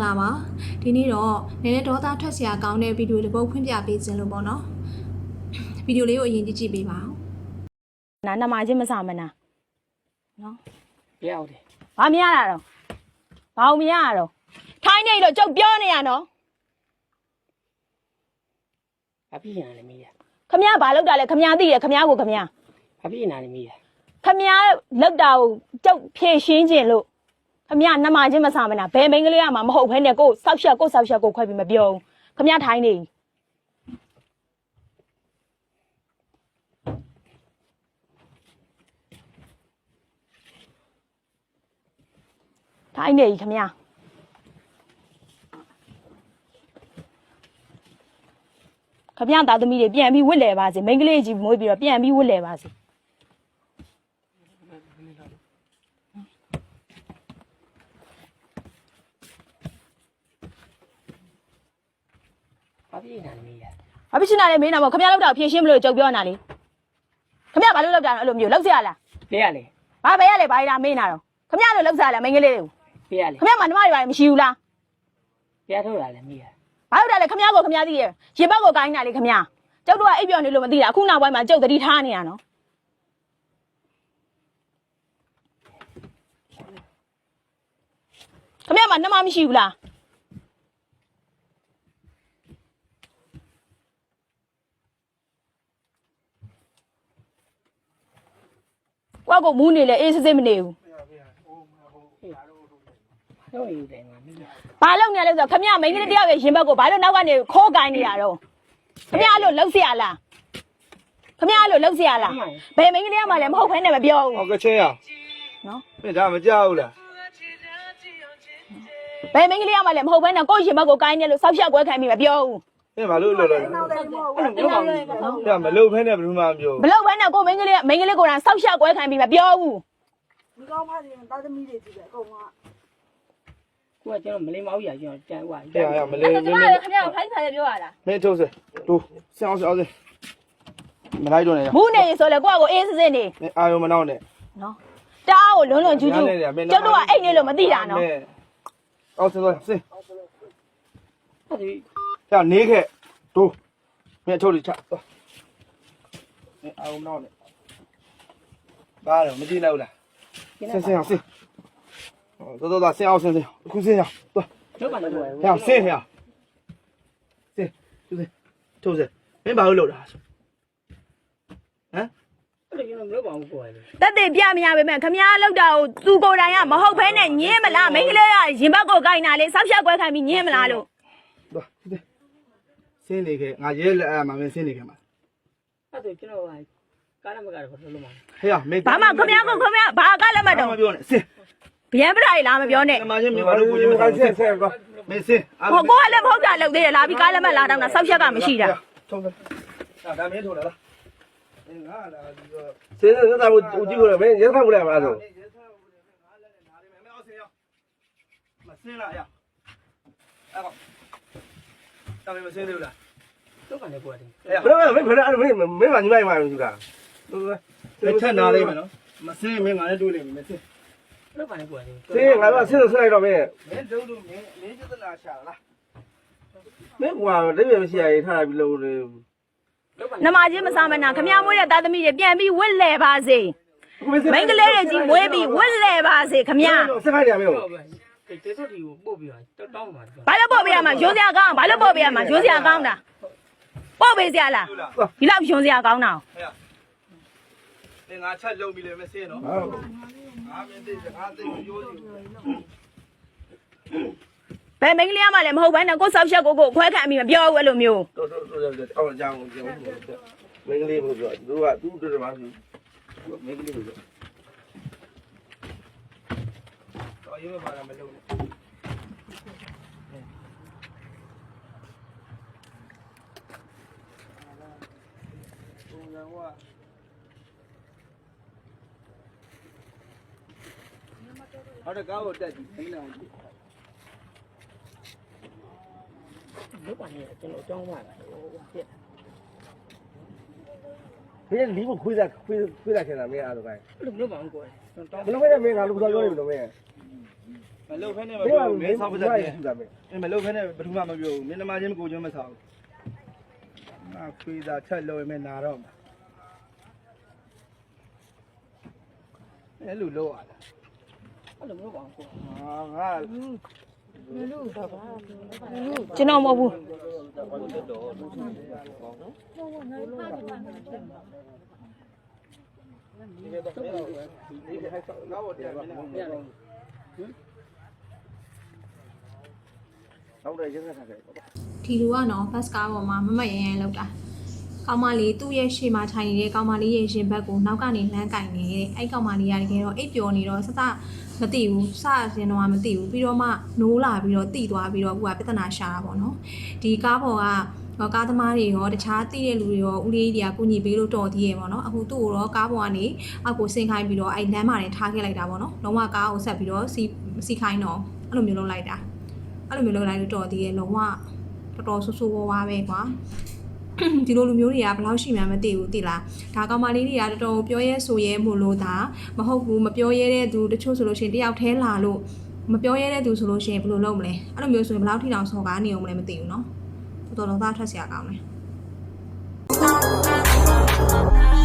္ဂလာပါဒီနေ့တော့နည်းနည်းဒေါသထွက်စရာကောင်းတဲ့ဗီဒီယိုတစ်ပုဒ်ဖွင့်ပြပေးခြင်းလို့ပေါ့နော်ဗီဒီယိုလေးကိုအရင်ကြည့်ပေးပါဦးနာနမချင်းမစားမနာနော်ပြောက်တယ်ဘာမရတာတော့ဘာမရတာတော့ထိုင်းနေလို့ကျုပ်ပြောနေရနော်ဘာဖြစ်နေလဲမီးရခမရဘာလောက်တာလဲခမရသိတယ်ခမရကိုခမရဘာဖြစ်နေလဲမီးရခမရလောက်တာကိုကျုပ်ဖြည့်ရှင်းခြင်းလို့ခမရနမချင်းမစားမနာဘယ်မိန်းကလေးကမှမဟုတ်ဘဲနဲ့ကိုစောက်ရှက်ကိုခွဲပြီးမပြောဘူးခမရထိုင်းနေထိုင်းနေခမရခမရသားသမီးတွေပြန်ပြီးဝစ်လဲပါစေမိန်းကလေးကြီးမွေးပြီးတော့ပြန်ပြီးဝစ်လဲပါစေဘာဖြစ်နေလဲမီးရဘာဖြစ်နေလဲမင်းနာမခမရလောက်တာဖြည့်ရှင်းမလို့ကြုံပြောနေတာလေခမရဘာလို့လောက်တာအဲ့လိုမျိုးလောက်စရလားဘယ်ရလဲဘာပဲရလဲဘာရမင်းနာတော့ခမရလို့လောက်စရလားမိန်းကလေးတွေကိုဘယ်ရလဲခမရမနှမတွေဘာမရှိဘူးလားဘယ်ထုတ်လာလဲမီးရဘာလို့တာလဲခမရကိုခမရသိရဲ့ရေဘက်ကိုကိုင်းတာလေခမရကျုပ်တို့ကအိပ်ပျော်နေလို့မသိတာအခုနောက်ပိုင်းမှာကျုပ်သတိထားနေရနော်ခမရမနှမမရှိဘူးလားကွာကိုမူးနေလေအေးစစ်စစ်မနေဘူးတော့ယူတယ်ငါမီးရဘာလုပ်နေလဲဆိုတော့ခမရမိန်းကလေးတယောက်ရဲ့ရင်ဘက်ကိုဘာလို့နောက်ကနေခိုးကိုင်းနေရတော့ခမရလို့လှုပ်เสียလားခမရလို့လှုပ်เสียလားဘယ်မိန်းကလေးကမှလည်းမဟုတ်ဖ ೇನೆ မပြောဘူးဟုတ်ကဲ့ချင်းရနော်မင်းဒါမကြောက်ဘူးလားဘယ်မိန်းကလေးကမှလည်းမဟုတ်ဖ ೇನೆ ကိုယ့်ရင်ဘက်ကိုကိုင်းနေလို့ဆောက်ရှက်ကွဲခံပြီးမပြောဘူးမင်းဘာလို့လှုပ်လဲမလှုပ်ဖဲနဲ့ဘယ်သူမှမပြောမလှုပ်ဖ ೇನೆ ကိုမိန်းကလေးကိုယ်တိုင်ဆောက်ရှက်ကွဲခံပြီးမပြောဘူးဒီကောင်းဖားရင်သားသမီးတွေကြည့်တယ်အကုန်ကကိုကကျွန်တော်မလေးမောက်ရကျွန်တော်ကြံွားရမလေးမင်းခမရခိုင်းထားရပြောရလားမင်းထုတ်စတူဆင်းအောင်မလိုက်တော့နဲ့မူးနေဆိုလေကိုယ့်ကိုအေးစစ်စစ်နေအာယုံမနောက်နဲ့နော်တအားကိုလွန်းကျူးကျူးကျုပ်တို့ကအိတ်နေလို့မသိတာနော်အော်ဆင်းဟုတ်ဒီကြာနေခဲ့တူမင်းထုတ်လိချသွားမင်းအာယုံမနောက်နဲ့ဘာလဲမကြည့်နိုင်ဘူးလားဆင်းအောင်ဆင်းတော်ဆင်းအောင်ဆင်းအခုဆင်းရသွားကျုပ်ကလည်းဟဲ့ဆင်းရဆင်းထုတ်စမင်းဘာလို့လုပ်တာဟမ်အဲ့ဒါကျွန်တော်မလုပ်ပါဘူးကိုယ်ကတက်တဲ့ပြမရပါမယ်ခမရလောက်တာကိုသူကိုယ်တိုင်ကမဟုတ်ဖ ೇನೆ ညင်းမလားမိန်းကလေးကရင်ဘက်ကိုကိုင်းတာလေဆောက်ရှက်ကွဲခံပြီးညင်းမလားလို့သွားဆင်းနေခဲ့ငါရဲလက်အမှမင်းဆင်းနေခဲ့မှာအဲ့ဒါကျွန်တော်ကကားမကားတော့လုံးမှာဟေးမင်းဘာမှခမရဘာကလည်းမတော့မပြောနဲ့ဆင်းဗျံပရာလားမပြောနဲ့မမချင်းမင်းဘာလို့ကိုကြီးမဆင်းကွာမင်းဆင်းဟိုကိုကလည်းမဟုတ်တာလုပ်သေးတယ်လာပြီးကားလည်းမလာတော့တာဆောက်ရှက်ကမရှိတာထုံးတယ်ဒါမင်းထိုးလာလားငါလာဒီဆင်းနေတာကိုကြည့်လို့မင်းရဲခတ်ဘူးလားမလားဆိုမဆင်းလာရအဲ့တော့တမင်မဆင်းသေးဘူးလားကျုပ်ကလည်းကိုယ်တယ်ဘယ်လိုမင်းမညီမမှာလို့ကထက်နာလေးမယ်နော်မဆင်းမင်းငါလည်းတွေးလိမ့်မယ်မဆင်းကျုပ်ကလည်းကိုယ်တယ်ဆင်းငါကဆင်းလိုက်တော့မင်းတုံးမင်းကျသနာရှာလားမင်းကွာတပြည့်မရှိရည်ထားပြီးလို့လေနမချင်းမစားမနာခမရမွေးတဲ့သားသမီးတွေပြန်ပြီးဝစ်လဲပါစေမိန်းကလေးတွေကြီးမွေးပြီးဝစ်လဲပါစေခမရစခိုင်းရမင်းတေးစောတီကိုပို့ပြီးတော့တောင်းပါဘာလို့ပို့ပေးရမှာရိုးစရာကောင်းဘာလို့ပို့ပေးရမှာရိုးစရာကောင်းတာပို့ပေးစရာလားဒီလောက်ရိုးစရာကောင်းတာငါချက်လုံးပြီလေမဆင်းနော်ငါမင်းသိငါသိရိုးစီဘယ်မိန်းကလေးမှလည်းမဟုတ်ဘဲနဲ့ကိုဆောက်ရှက်ကိုခွဲခံပြီးမပြောဘူးအဲ့လိုမျိုးတော်အော်အကြောင်းကိုမင်းကလေးကိုပြောသူကသူ့တို့မှာဆိုမင်းကလေးကိုပြောတော်ရုံးမှာမလုပ်နဲ့ဟုတ်တယ်ကားကိုတက်ကြည့်ခိုင်းလာကြည့်လုပ်ပါနဲ့ကျွန်တော်အကြောင်းပါလားဟိုပြက်မင်းလီးကိုခွေးတာခင်တာမင်းအားတော့ကိုင်းအဲ့လိုလုပ်ပါအောင်ကိုယ်ဘယ်လိုပဲမင်းကလူစားပြောနေမလို့မင်းဟမလုပ်ဖဲနဲ့မပြောဘူးမင်းဆောက်ပစက်တယ်မလုပ်ဖဲနဲ့ဘယ်သူမှမပြောဘူးမင်းနမချင်းကိုချင်းမဆောက်ငါခွေးသာချက်လို့မင်းနာတော့မှာအဲ့လိုလုပ်ရတာအဲ့လိုမျိုးပါကိုငါကျွန်တော်မဟုတ်ဘူးနောက်တော့ရက်ဆက်ထားခဲ့ဒီလူကနော်ဘတ်ကားပေါ်မှာမမရရလောက်တာကောင်မလေးသူ့ရဲ့ရှေ့မှာထိုင်နေတဲ့ကောင်မလေးရဲ့ရင်ဘတ်ကိုနောက်ကနေလမ်းကင်နေတဲ့အဲ့ကောင်မလေးကတကယ်တော့အိပ်ပျော်နေတော့စမသိဘူးစရင်တော့မသိဘူးပြီးတော့မှနိုးလာပြီးတော့တိသွားပြီးတော့အခုကပြဿနာရှာတာပေါ့နော်ဒီကားပေါ်ကကားသမားတွေရောတခြားသိတဲ့လူတွေရောဦးလေးတွေကကုညီပေးလို့တော်သေးရဲ့ပေါ့နော်အခုသူ့ကိုတော့ကားပေါ်ကနေအောက်ကိုဆင်းခိုင်းပြီးတော့အဲ့လမ်းမှာနေထားခဲ့လိုက်တာပေါ့နော်လုံးဝကားကိုဆက်ပြီးတော့စီခိုင်းတော့အဲ့လိုမျိုးလုပ်လိုက်တာအဲ့လိုမျိုးလုပ်လိုက်လို့တော်သေးရဲ့လုံးဝတော်တော်ဆူဝါးပဲကွာဒီလိုလူမျိုးတွေကဘယ်လောက်ရှိမှမသိဘူးသိလားဒါကောင်မလေးတွေကတော်တော်ပြောရဲဆိုရဲမို့လို့ဒါမဟုတ်ဘူးမပြောရဲတဲ့သူတချို့ဆိုလို့ရှိရင်တယောက်တည်းလာလို့မပြောရဲတဲ့သူဆိုလို့ရှိရင်ဘယ်လိုလုပ်မလဲအဲ့လိုမျိုးဆိုရင်ဘယ်လောက်ထိတောင်စော်ကားနေအောင်မလဲမသိဘူးเนาะတော်တော်သားထွက်เสียကောင်းတယ်